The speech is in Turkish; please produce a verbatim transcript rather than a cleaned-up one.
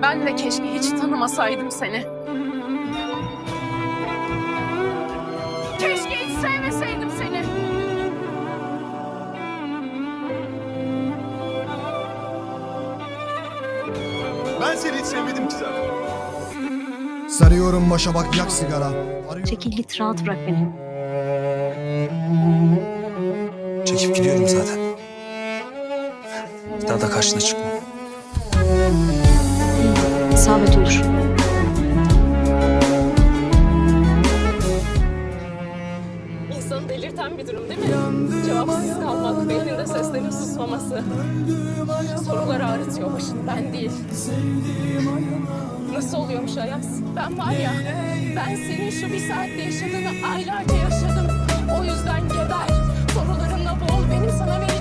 Ben de keşke hiç tanımasaydım seni. Keşke hiç sevmeseydim seni. Ben seni hiç sevmedim ki zaten. Sarıyorum başa bak yak sigara. Arıyorum. Çekil git, rahat bırak beni. Çekip gidiyorum zaten. Bir daha da karşına çıkmam. İsabet olur. İnsanı delirten bir durum değil mi? Cevapsız kalmak, beyninde seslerin susmaması. Sorular ağrıtıyor başını, ben değil. Nasıl oluyormuş Ayaz? Ben var ya, ben senin şu bir saatte yaşadığını aylarca yaşadım. O yüzden geber, sorularınla boğul, benim sana vereceğim